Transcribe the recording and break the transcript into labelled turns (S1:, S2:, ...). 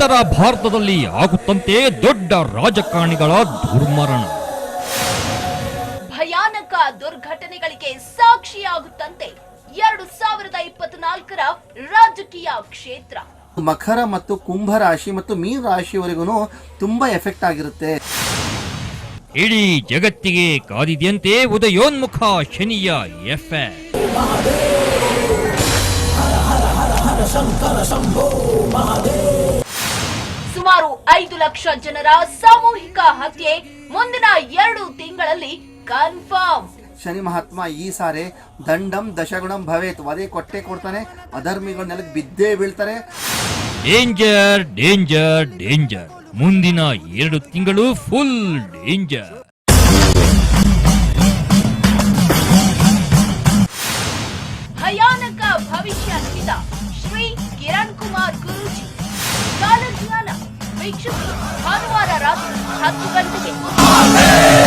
S1: ಉತ್ತರ ಭಾರತದಲ್ಲಿ ಆಗುತ್ತಂತೆ ದೊಡ್ಡ ರಾಜಕಾರಣಿಗಳ ದುರ್ಮರಣ.
S2: ಭಯಾನಕ ದುರ್ಘಟನೆಗಳಿಗೆ ಸಾಕ್ಷಿಯಾಗುತ್ತಂತೆ 2024ರ ರಾಜಕೀಯ ಕ್ಷೇತ್ರ.
S3: ಮಕರ ಮತ್ತು ಕುಂಭ ರಾಶಿ ಮತ್ತು ಮೀನ ರಾಶಿಯವರೆಗೂ ತುಂಬಾ ಎಫೆಕ್ಟ್ ಆಗಿರುತ್ತೆ.
S1: ಇಡೀ ಜಗತ್ತಿಗೆ ಕಾದಿದೆಯಂತೆ ಉದಯೋನ್ಮುಖ ಶನಿಯ ಎಫೆಕ್ಟ್.
S2: ಸುಮಾರು 5 ಲಕ್ಷ ಜನರ ಸಾಮೂಹಿಕ ಹತ್ಯೆ ಮುಂದಿನ 2 ತಿಂಗಳಲ್ಲಿ ಕನ್ಫರ್ಮ್.
S3: ಶನಿ ಮಹಾತ್ಮ ಈ ಸಾರೆ ದಂಡಂ ದಶಗುಣಂ ಭವೇತ್, ವಧೆ ಕೊಟ್ಟೆ ಕೊಡ್ತಾನೆ, ಅಧರ್ಮಿಗಳು ನೆಲಕ್ಕೆ ಬಿದ್ದೇ ಬೀಳ್ತಾರೆ.
S1: ಡೇಂಜರ್ ಡೇಂಜರ್ ಡೇಂಜರ್, ಮುಂದಿನ 2 ತಿಂಗಳು ಫುಲ್ ಡೇಂಜರ್.
S2: ಭಯಾನಕ ಭವಿಷ್ಯ ನುಡಿದ ಶ್ರೀ ಕಿರಣ್ ಕುಮಾರ್ ಗುರೂಜಿ. ಕಾಲಜ್ಞಾನ ವೀಕ್ಷಿಸಿ ಭಾನುವಾರ ರಾತ್ರಿ 10 ಗಂಟೆಗೆ.